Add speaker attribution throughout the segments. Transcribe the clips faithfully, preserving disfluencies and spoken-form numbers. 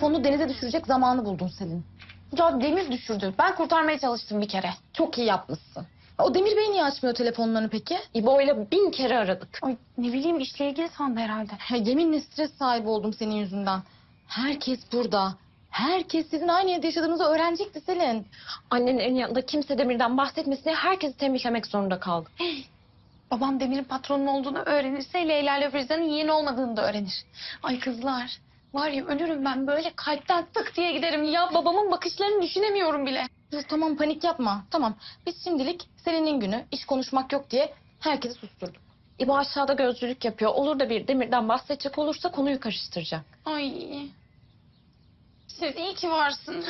Speaker 1: telefonunu denize düşürecek zamanı buldun Selin.
Speaker 2: Ya Demir düşürdü. Ben kurtarmaya çalıştım bir kere.
Speaker 1: Çok iyi yapmışsın. O Demir Bey niye açmıyor telefonlarını peki?
Speaker 2: İbo'yla bin kere aradık.
Speaker 3: Ay ne bileyim işle ilgili sandı herhalde.
Speaker 1: Ya, yeminle stres sahibi oldum senin yüzünden. Herkes burada. Herkes sizin aynı evde yaşadığınızı öğrenecekti Selin.
Speaker 2: Annenin en yanında kimse Demir'den bahsetmesin diye herkesi tembihlemek zorunda kaldı.
Speaker 3: Babam Demir'in patronun olduğunu öğrenirse Leyla ile Firuza'nın yeğeni olmadığını da öğrenir. Ay kızlar var ya ölürüm ben böyle kalpten tık diye giderim. Ya babamın bakışlarını düşünemiyorum bile.
Speaker 1: Ya, tamam panik yapma. Tamam biz şimdilik Selin'in günü iş konuşmak yok diye herkesi susturduk.
Speaker 2: İbo aşağıda gözcülük yapıyor. Olur da bir Demir'den bahsedecek olursa konuyu karıştıracak.
Speaker 3: Ay siz iyi ki varsın.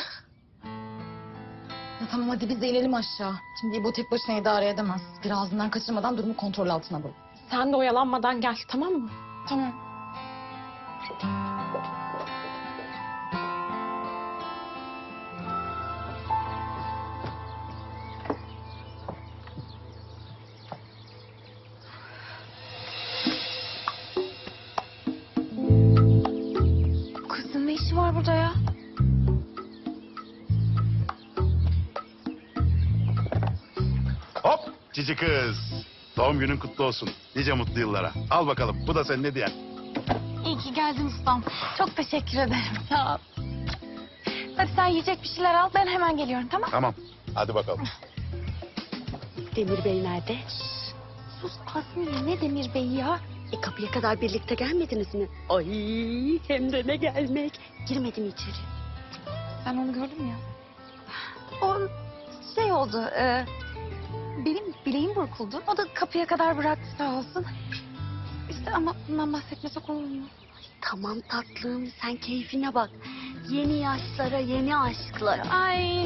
Speaker 1: Ya, tamam hadi biz de inelim aşağı. Şimdi bu tek başına idare edemez. Bir ağzından kaçırmadan durumu kontrol altına alalım.
Speaker 2: Sen de oyalanmadan gel, tamam mı?
Speaker 3: Tamam. Bu kızın ne işi var burada ya?
Speaker 4: Hop cici kız. Doğum günün kutlu olsun. Nice mutlu yıllara. Al bakalım bu da senin hediyen.
Speaker 3: İyi ki geldin ustam. Çok teşekkür ederim. Sağ ol. Hadi sen yiyecek bir şeyler al. Ben hemen geliyorum tamam?
Speaker 4: Tamam hadi bakalım.
Speaker 5: Demir Bey nerede?
Speaker 3: Sus Azmi ne Demir Bey ya?
Speaker 5: E kapıya kadar birlikte gelmediniz mi? Ay hem de ne gelmek. Girmedim içeri.
Speaker 3: Ben onu gördüm ya. O şey oldu. E, benim bileğim burkuldu. O da kapıya kadar bıraktı sağ olsun. İşte ama bundan bahsetmesek olur mu?
Speaker 5: Tamam tatlım sen keyfine bak. Yeni yaşlara yeni aşklara.
Speaker 3: Ay.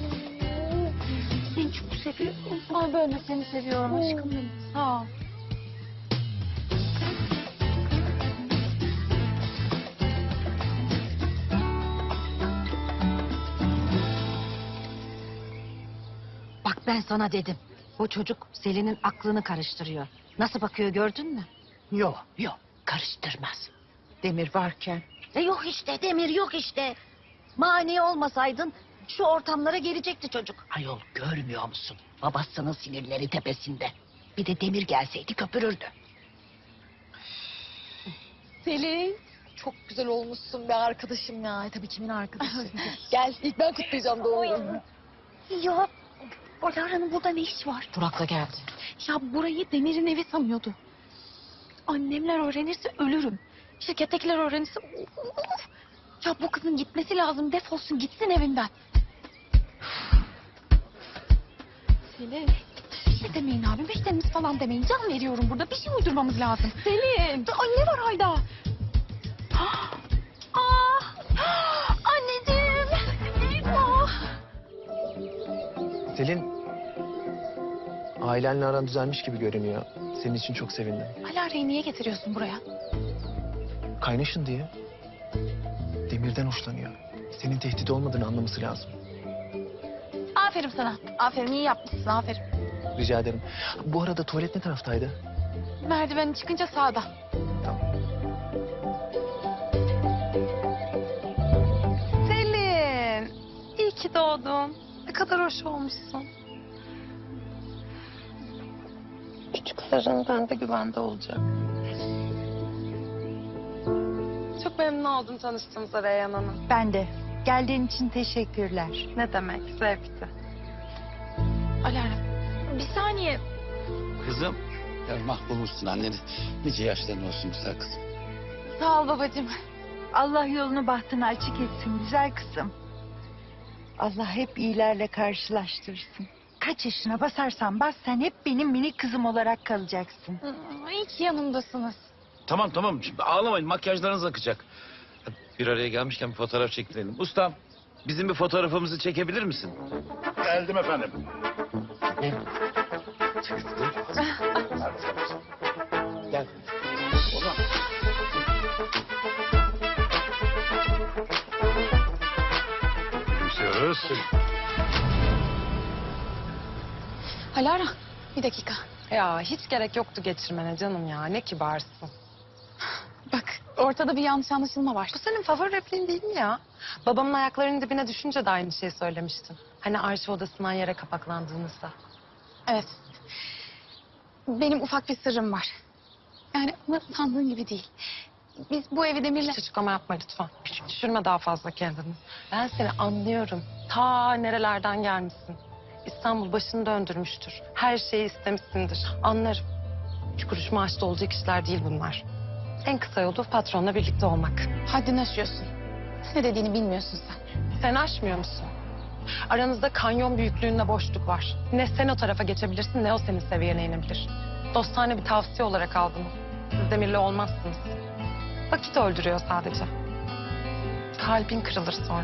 Speaker 5: Seni çok seviyorum.
Speaker 3: Ay ben de seni seviyorum aşkım benim. Sağ ol.
Speaker 6: Bak ben sana dedim. Bu çocuk Selin'in aklını karıştırıyor. Nasıl bakıyor gördün mü? Yok yok karıştırmaz. Demir varken. E yok işte Demir yok işte. Mani olmasaydın şu ortamlara gelecekti çocuk. Ayol görmüyor musun? Babasının sinirleri tepesinde. Bir de Demir gelseydi köpürürdü.
Speaker 1: Selin çok güzel olmuşsun be arkadaşım ya. E, tabii kimin arkadaşı? Gel ilk ben kutlayacağım doğum gününü.
Speaker 3: Ya Alara'nın burada ne iş var?
Speaker 2: Burak da geldi.
Speaker 3: Ya burayı Demir'in evi sanıyordu. Annemler öğrenirse ölürüm. Şirkettekiler öğrenirse... Of! Ya bu kızın gitmesi lazım. Defolsun gitsin evimden. Selin. Bir şey demeyin abi. Müşterimiz falan demeyin. Can veriyorum burada. Bir şey uydurmamız lazım. Selin. Ay ne var Hayda? Ah! Anneciğim. Eyvah.
Speaker 7: Selin, ailenle aran düzelmiş gibi görünüyor. Senin için çok sevindim.
Speaker 3: Alara'yı niye getiriyorsun buraya?
Speaker 7: Kaynaşın diye. Demir'den hoşlanıyor. Senin tehdit olmadığını anlaması lazım.
Speaker 3: Aferin sana. Aferin iyi yapmışsın. Aferin.
Speaker 7: Rica ederim. Bu arada tuvalet ne taraftaydı?
Speaker 3: Merdiven çıkınca sağda.
Speaker 7: Tamam.
Speaker 3: Selin. İyi ki doğdun. Ne kadar hoş olmuşsun. Küçük sarın bende güvende olacak. Çok memnun oldum tanıştığımıza Reyhan Hanım.
Speaker 6: Ben de. Geldiğin için teşekkürler.
Speaker 3: Ne demek zevkti. Alara bir saniye.
Speaker 8: Kızım, ya mahvolmuşsun anneni. Nice yaşların olsun güzel kızım.
Speaker 3: Sağ ol babacığım.
Speaker 6: Allah yolunu bahtını açık etsin güzel kızım. Allah hep iyilerle karşılaştırsın. Kaç yaşına basarsan bas sen hep benim minik kızım olarak kalacaksın.
Speaker 3: İyi ki yanımdasınız.
Speaker 8: Tamam tamam, şimdi ağlamayın, makyajlarınız akacak. Hadi bir araya gelmişken bir fotoğraf çekilelim. Ustam, bizim bir fotoğrafımızı çekebilir misin?
Speaker 4: Geldim efendim.
Speaker 8: Gel. Ozan.
Speaker 4: Gülümsüyoruz.
Speaker 3: Alara bir dakika.
Speaker 2: Ya hiç gerek yoktu geçirmene canım ya. Ne kibarsın.
Speaker 3: Bak ortada bir yanlış anlaşılma var.
Speaker 9: Bu senin favori repliğin değil mi ya? Babamın ayaklarının dibine düşünce de aynı şeyi söylemiştin. Hani arşiv odasından yere kapaklandığınızda.
Speaker 3: Evet. Benim ufak bir sırrım var. Yani ama sandığın gibi değil. Biz bu evi Demir'le...
Speaker 9: Hiç açıklama yapma lütfen. Küçük düşürme daha fazla kendini. Ben seni anlıyorum. Ta nerelerden gelmişsin. İstanbul başını döndürmüştür. Her şeyi istemişsindir. Anlarım. Üç kuruş maaşta olacak işler değil bunlar. En kısa yolu patronla birlikte olmak.
Speaker 3: Haddini aşıyorsun. Ne dediğini bilmiyorsun sen.
Speaker 9: Sen aşmıyor musun? Aranızda kanyon büyüklüğünde boşluk var. Ne sen o tarafa geçebilirsin ne o senin seviyene inebilir. Dostane bir tavsiye olarak aldım. Siz Demir'le olmazsınız. Vakit öldürüyor sadece. Kalbin kırılır sonra.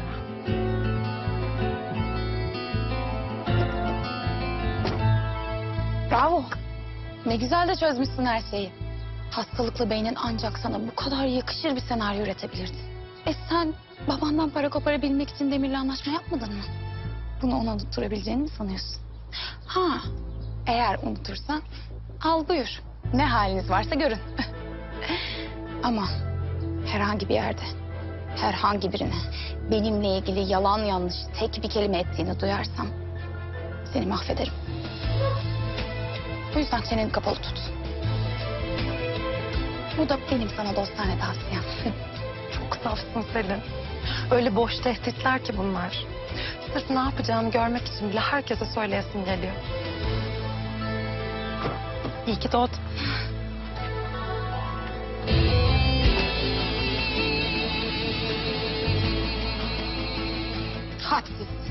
Speaker 3: Bravo. Ne güzel de çözmüşsün her şeyi. Hastalıklı beynin ancak sana bu kadar yakışır bir senaryo üretebilirdi. E sen babandan para koparabilmek için Demir'le anlaşma yapmadın mı? Bunu ona unutturabileceğini mi sanıyorsun? Ha, eğer unutursan al buyur. Ne haliniz varsa görün. Ama herhangi bir yerde, herhangi birine benimle ilgili yalan yanlış tek bir kelime ettiğini duyarsam seni mahvederim. O yüzden çeneni kapalı tut. Bu da benim sana dostane tavsiyem.
Speaker 9: Çok safsın Selin. Öyle boş tehditler ki bunlar. Sırf ne yapacağını görmek için bile herkese söyleyesin geliyor. İyi ki doğdun.
Speaker 3: Hadsiz.